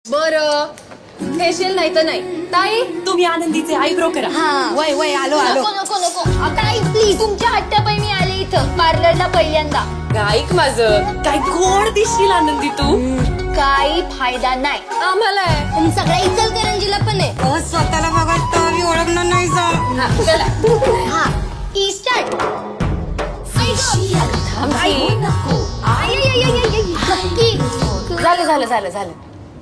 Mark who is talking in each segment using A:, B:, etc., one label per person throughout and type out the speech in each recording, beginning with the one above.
A: बरं फेशियल नाही तर नाही. ताई
B: तुम्ही आनंदीचे आयब्रो करा.
C: वय वय आलो आलो.
A: नको नको नको ताई प्लीज तुमच्या हट्टापायी मी आले इथं पार्लरला पहिल्यांदा.
B: ऐक माझं, काय गोड दिसशील आनंदी तू.
A: काही फायदा नाही
B: आम्हाला आहे.
A: पण सगळ्या इचलकरंजीला पण आहे.
C: स्वतःला बघत तर मी ओळखणार नाही जा.
B: हा, चला.
A: हा ई स्टार्ट.
B: झालं झालं झालं झालं.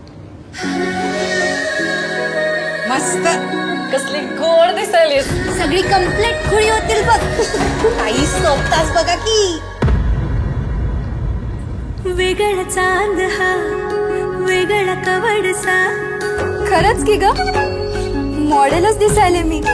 C: मस्त
B: कसली गोड दिसायलीस.
A: सगळी कंप्लीट खुळी होतील बघ.
C: काही सोपताच बघा की.
D: वेगळा चांद हा वेगळा कवडसा.
A: खरंच की ग मॉडेलच दिसायले मी.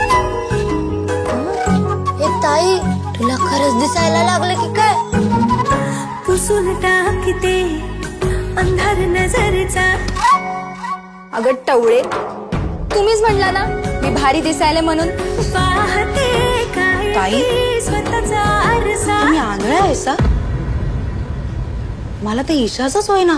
A: हे ताई तुला खरंच दिसायला लागलं की काय.
D: पुसून टाकते अंधार नजरचा.
A: अगं टवळे तुम्हीच म्हणला ना मी भारी दिसायले म्हणून.
D: पाहते काय
C: ताई?
D: स्वतःचा आरसा.
C: तुम्ही आंधळा आहेसा. मला ते ईशाच होईना.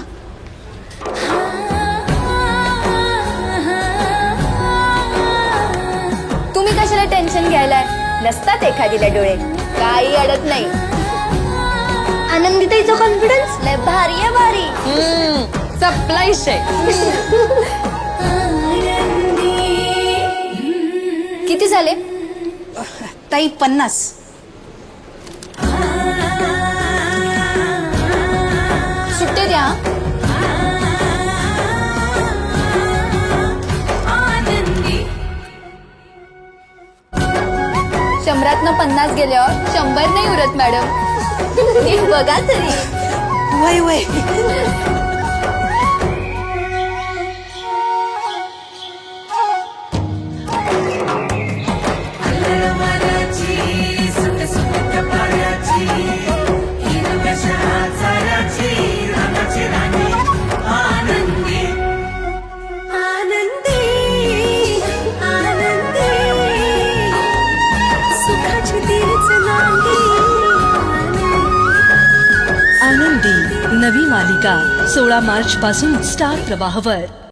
A: तुम्ही कशाला टेन्शन घ्यायलाय. नसतात एखादीला डोळे काही अडत नाही. आनंदीताईचा कॉन्फिडन्स लय भारी आहे भारी.
B: सप्लाय शे.
A: किती झाले.
C: ताई 50.
A: सुट्टे द्या. शंभरातनं 50 गेल्यावर 100 नाही उरत मॅडम. नीट बघा तरी.
C: वय वय.
E: आनंदी नवी मालिका 16 मार्च पासून स्टार प्रवाहवर.